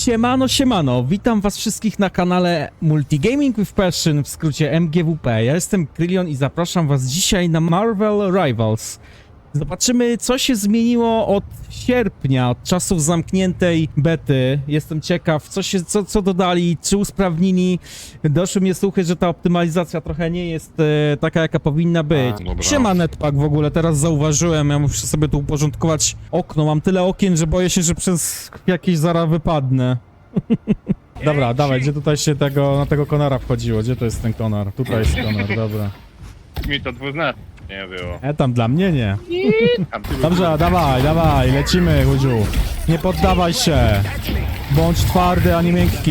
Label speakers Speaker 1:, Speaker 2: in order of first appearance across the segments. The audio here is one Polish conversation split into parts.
Speaker 1: Siemano, siemano, witam was wszystkich na kanale Multigaming with Passion, w skrócie MGWP. Ja jestem Krylion i zapraszam was dzisiaj na Marvel Rivals. Zobaczymy, co się zmieniło od sierpnia, od czasów zamkniętej bety. Jestem ciekaw, co dodali, czy usprawnili. Doszły mnie słuchy, że ta optymalizacja trochę nie jest taka, jaka powinna być. Siema Netpack w ogóle, teraz zauważyłem, ja muszę sobie tu uporządkować okno. Mam tyle okien, że boję się, że przez jakieś zaraz wypadnę. Dobra, dawaj, gdzie tutaj się na tego konara wchodziło? Gdzie to jest ten konar? Tutaj jest konar, dobra.
Speaker 2: Mi to dwuznacznie było.
Speaker 1: Tam dla mnie nie.
Speaker 2: Tam
Speaker 1: Dobrze, dawaj, lecimy, Hudziu. Nie poddawaj się. Bądź twardy, a nie miękki.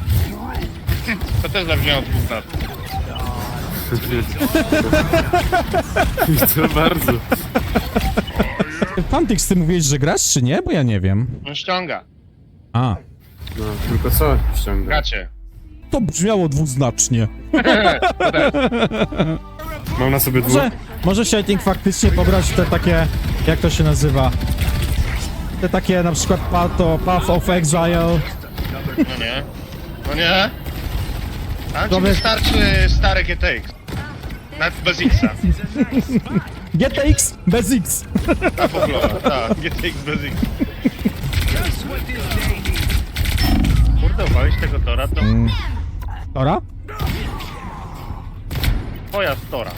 Speaker 2: to też zabrzmiało dwuznacznie.
Speaker 3: To bardzo.
Speaker 1: Fantix, ty mówiłeś, że grasz, czy nie? Bo ja nie wiem.
Speaker 2: On ściąga.
Speaker 1: A,
Speaker 3: No, tylko co ściąga?
Speaker 2: Gracie.
Speaker 1: to brzmiało dwuznacznie.
Speaker 3: Mam na sobie dwóch.
Speaker 1: Może Shading faktycznie pobrać te takie, jak to się nazywa? Te takie na przykład Path of Exile.
Speaker 2: No nie. No nie. Tam ci
Speaker 1: Dobra.
Speaker 2: wystarczy stare GTX. Nawet bez X-a.
Speaker 1: GTX bez X.
Speaker 2: Ta poglowa, tak. GTX bez X. Kurde, walić tego tora to
Speaker 1: Tora?
Speaker 2: twoja tora.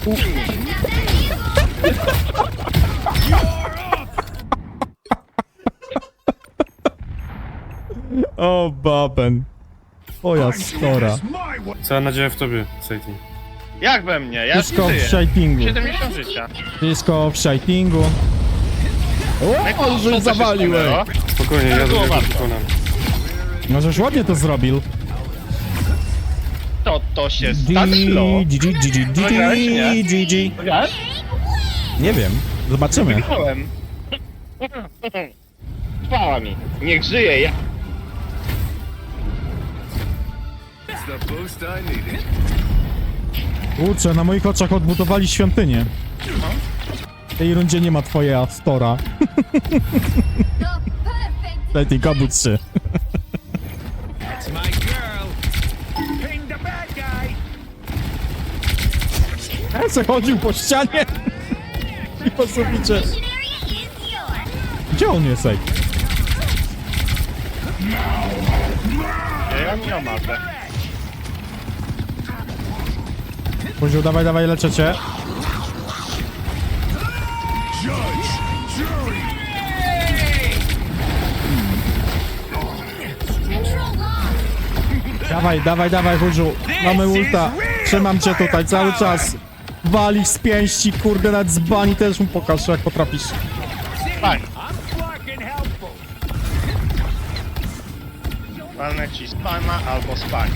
Speaker 1: O, baben. Twoja stora.
Speaker 3: Cała nadzieja w tobie, Satan.
Speaker 2: Jak we mnie? Ja
Speaker 1: Wszystko w
Speaker 2: żyję.
Speaker 1: shadingu.
Speaker 2: 70 życia.
Speaker 1: Wszystko w shadingu. O,
Speaker 2: Co
Speaker 1: że
Speaker 2: się
Speaker 1: zawaliłem.
Speaker 2: stanęło?
Speaker 3: Spokojnie, ja
Speaker 2: było
Speaker 3: dobrze
Speaker 2: warto.
Speaker 3: wykonam.
Speaker 1: Możeś ładnie to zrobił.
Speaker 2: To się stanęło. Nagrałeś, nie?
Speaker 1: GG.
Speaker 2: Wiesz?
Speaker 1: Nie wiem, zobaczymy.
Speaker 2: Wygrałem. Chwała mi. Niech żyje. Ja...
Speaker 1: Kurczę, na moich oczach odbudowali świątynię. W tej rundzie nie ma twoja stora. Lety, kabut się. Ja se chodził po ścianie i po suficie. Gdzie on jest, ej?
Speaker 2: Ja nie omarzę.
Speaker 1: Poziu, dawaj, leczę cię. Dawaj, Hudziu. Mamy ulta. Trzymam cię tutaj cały czas. Walisz z pięści, kurde, nawet z bani też mu pokaż, jak potrafisz.
Speaker 2: Fajnie. Walnę ci spama albo spani.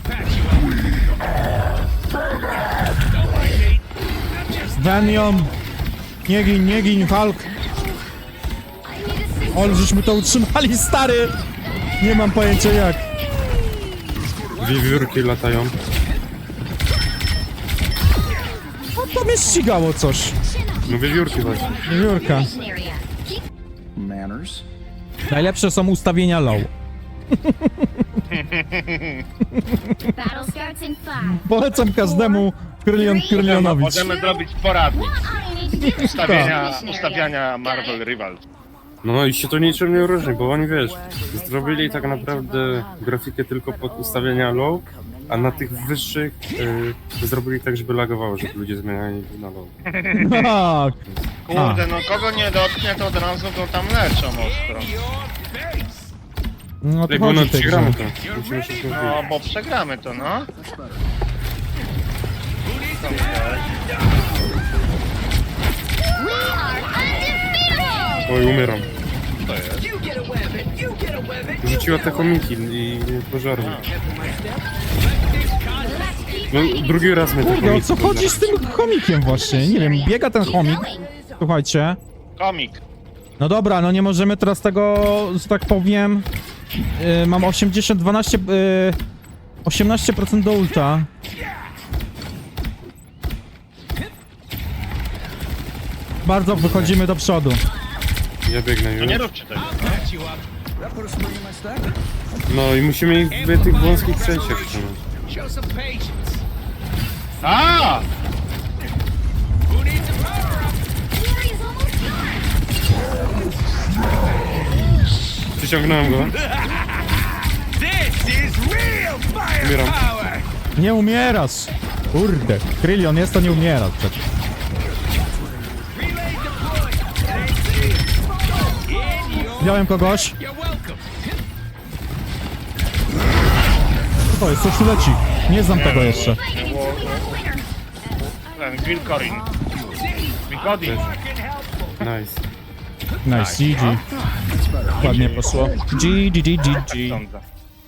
Speaker 1: Venom. Nie gin, Hulk. O, żeśmy to utrzymali, stary. Nie mam pojęcia jak.
Speaker 3: Wiewiórki latają.
Speaker 1: No to mnie ścigało coś.
Speaker 3: No wiewiórki właśnie.
Speaker 1: Jurka.
Speaker 4: Manners.
Speaker 1: Najlepsze są ustawienia low.
Speaker 5: Battle starts in 5.
Speaker 1: Polecam każdemu Krylionowi.
Speaker 2: Możemy zrobić poradnik
Speaker 5: All you need to do is
Speaker 2: ustawiania Marvel Rivals.
Speaker 3: No i się to niczym nie różni, bo oni wiesz, zrobili tak naprawdę grafikę tylko pod ustawienia low, a na tych wyższych zrobili tak, żeby lagowało, żeby ludzie zmieniali na low.
Speaker 1: Tak.
Speaker 2: Kurde, no kogo nie dotknie, to od razu go tam leczą ostro.
Speaker 1: No to
Speaker 3: Ej, bo no
Speaker 1: chodzi w tej
Speaker 3: przegramy
Speaker 1: grze.
Speaker 3: to. Musimy się zgodzić.
Speaker 2: No, bo przegramy to, no.
Speaker 3: Oj, umieram. Rzuciła te chomiki i pożarły. No, drugi raz mnie te
Speaker 1: Kurde, o
Speaker 3: chomiki
Speaker 1: co chodzi z tym chomikiem właśnie? Nie wiem, biega ten chomik. Słuchajcie.
Speaker 2: Komik.
Speaker 1: No dobra, no nie możemy teraz tego, że tak powiem... mam 18% do ulta. Bardzo wychodzimy do przodu.
Speaker 3: Ja biegnę
Speaker 2: No
Speaker 3: już.
Speaker 2: nie róbcie tego.
Speaker 4: That put a spring in my step.
Speaker 3: No i musimy ich w tych wąskich przejściach trzymać.
Speaker 2: A!
Speaker 3: Przyciągnąłem go. Umieram.
Speaker 1: Nie umierasz! Kurde, Krylion jest, to nie umierasz przecież. Wziąłem kogoś. To jest, coś tu leci. Nie znam tego jeszcze.
Speaker 2: Ten Wilkorin. Wilkorin.
Speaker 3: Nice.
Speaker 1: Nice, GG. Ładnie poszło. GG.
Speaker 2: Sądzę.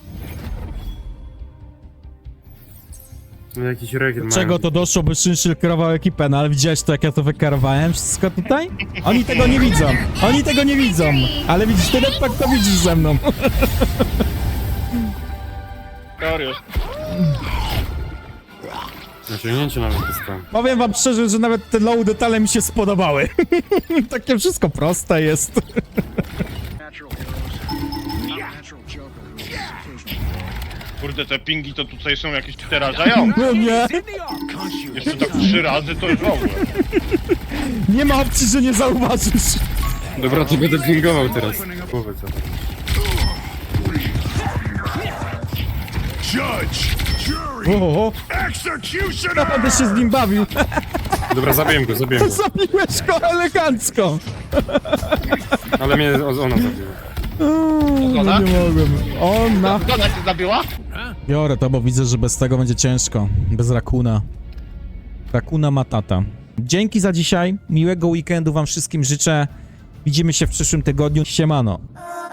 Speaker 3: No jakiś rekiet mają.
Speaker 1: Czego to doszło, by Szynszil kierował ekipę, no ale widziałeś to, jak ja to wykierowałem wszystko tutaj? Oni tego nie widzą. Oni tego nie widzą. Ale widzisz, ty tak to widzisz ze mną.
Speaker 2: Dariusz.
Speaker 3: Naciągnięcie nawet dostałem.
Speaker 1: Powiem wam szczerze, że nawet te low detale mi się spodobały. Takie wszystko proste jest.
Speaker 2: Kurde, te pingi to tutaj są jakieś przerażające.
Speaker 1: No nie,
Speaker 2: Jeszcze tak 3 razy to już w ogóle.
Speaker 1: nie ma opcji, że nie zauważysz.
Speaker 3: Dobra, to będę pingował teraz. Głowę co?
Speaker 4: Judge, jury,
Speaker 1: O,
Speaker 4: executioner!
Speaker 1: naprawdę się z nim bawił.
Speaker 3: Dobra, zabiłem go.
Speaker 1: Zabiłeś go elegancko.
Speaker 3: Ale mnie ona zabiła.
Speaker 2: Zgoda?
Speaker 1: Nie mogłem. Ona.
Speaker 2: Zgoda cię zabiła?
Speaker 1: Biorę to, bo widzę, że bez tego będzie ciężko. Bez Rakuna. Rakuna Matata. Dzięki za dzisiaj. Miłego weekendu wam wszystkim życzę. Widzimy się w przyszłym tygodniu. Siemano.